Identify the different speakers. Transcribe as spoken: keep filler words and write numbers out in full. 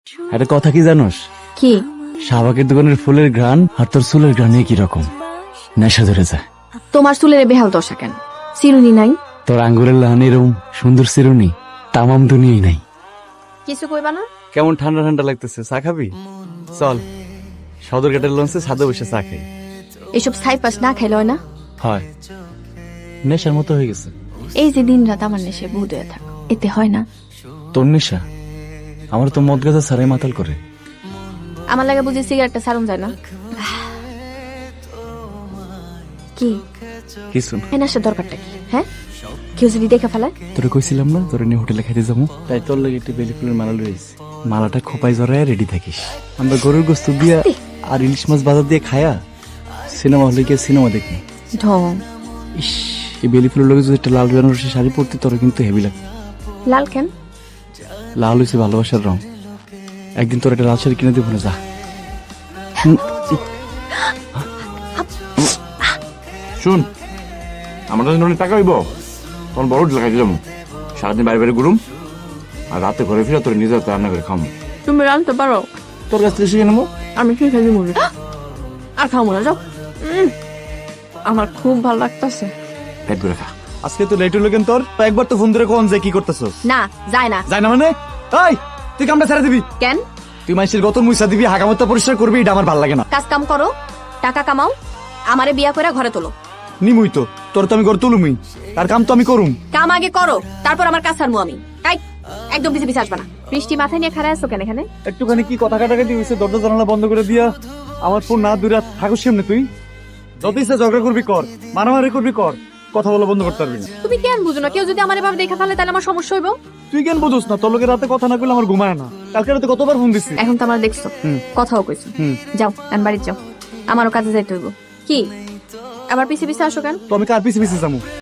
Speaker 1: একটা কথা কি জানোস?
Speaker 2: কি?
Speaker 1: শাহবাগের দোকানের ফুলের ঘ্রাণ আর তোর চুলের ঘ্রাণ কি রকম নেশা ধরে যায়।
Speaker 2: তোমার চুলের বেহাল দশা কেন? চিরুনি নাই?
Speaker 1: তোর আঙ্গুরের লাহানি এরকম সুন্দর চিরুনি তামাম দুনিয়াই নাই।
Speaker 2: কিছু কইবা না?
Speaker 1: কেমন ঠান্ডা ঠান্ডা লাগতেছে, চা খাবি? চল সদরঘাটের লঞ্চে ছাদে বসে চা খাই।
Speaker 2: এসব ছাই পাস না খাইলে হয় না?
Speaker 1: হয়, নেশার মতো হয়ে গেছে।
Speaker 2: এই যে দিন রাত আমার নেশে বুধ হয়ে থাক, এতে হয় না?
Speaker 1: তোর নেশা আমার তো মদ গাছা ছাড়াই মাতাল করে।
Speaker 2: আমার লাগে বুঝি সিগারেটটা সারুন যায় না? কি
Speaker 1: কিছু না।
Speaker 2: এই নেশার দরকারটা কি? হ্যাঁ, কেউ যদি দেখে ফেলায়?
Speaker 1: তোরে কইছিলাম না তোরে নিয়ে হোটেলে খাইতে যাবো, তাই তোর লাগে একটি বেলি ফুলের মালা লইছি। মালাটা খোপায় জড়ায় রেডি থাকিস। আমরা গরুর গোস্ত দিয়া আর ইলিশ মাছ বাজার দিয়ে খায়া সিনেমা হলে গিয়ে সিনেমা দেখবো।
Speaker 2: ঢং।
Speaker 1: ইস, এই বেলি ফুলের লগে যদি একটা লাল বেনারসি শাড়ি পরতে তোর কিন্তু হেভি লাগে।
Speaker 2: লাল কেন?
Speaker 1: লাল হয়েছে ভালোবাসার রং। একদিন তোর একটা লাল শাড়ি কিনে দেবো না, যা। হুম,
Speaker 3: শুন, আমার জন্য অনেক টাকা হইব, তখন বড় হোটেল খাইতে যাবো। সারাদিন বাইরে বাইরে ঘুরুম, আর রাতে ঘরে ফিরে তোর নিজের হাতে রান্না করে খাম।
Speaker 2: তুমি রানতে পারো?
Speaker 3: তোর কাছ থেকে শিখে নেবো।
Speaker 2: আমি কি খাই মনে আর খাও মনে যাও। উম, আমার খুব ভালো লাগতেছে।
Speaker 3: পেট ভরে খা।
Speaker 1: আজকে তো লেট হলো কেন তোর? একবার তো ফোন ধরে কোন যে কি করতেছস?
Speaker 2: না যায় না।
Speaker 1: যায় না মানে? এই তুই কামটা ছেড়ে দিবি।
Speaker 2: কেন?
Speaker 1: তুই মানুষের গত মুইসা দিবি, হাগামতা পরিষ্কার করবি, এটা আমার ভালো লাগে না।
Speaker 2: কাজ কাম করো, টাকা কামাও, আমারে বিয়া করে ঘরে তোলো।
Speaker 1: নিমুই তো তোর তো আমি ঘর তুলুমই, তার কাম তো আমি করুম।
Speaker 2: কাম আগে করো, তারপর আমার কাজ ছাড়বো আমি। এই, একদম পিছে পিছে আসবা না। বৃষ্টি মাথায় নিয়ে খাড়া আছো কেন এখানে?
Speaker 1: একটুখানি কি কথা কাটাকাটি হয়েছে, দরজা জানালা বন্ধ করে দিয়া আমার ফোন না দূরে থাকুস সামনে। তুই যত ইচ্ছা ঝগড়া করবি কর, মারামারি করবি কর, কথা বলা বন্ধ করতে পারবি না।
Speaker 2: তুমি কেন বুঝো না? কেউ যদি আমার এভাবে দেখা ফেলে তাহলে আমার সমস্যা হইব।
Speaker 1: তুই কেন বুঝোস না? তোর লোকের রাতে কথা না করলে আমার ঘুমায় না। কালকে রাতে কতবার ফোন দিচ্ছি।
Speaker 2: এখন তো আমার দেখছো,
Speaker 1: হুম।
Speaker 2: কথাও কইছো।
Speaker 1: হুম।
Speaker 2: যাও এখন বাড়িতে যাও, আমারও কাজে যাইতে হইব। কি আবার পিছে পিছে আসো কেন?
Speaker 1: তো আমি কার পিছে পিছে যাবো?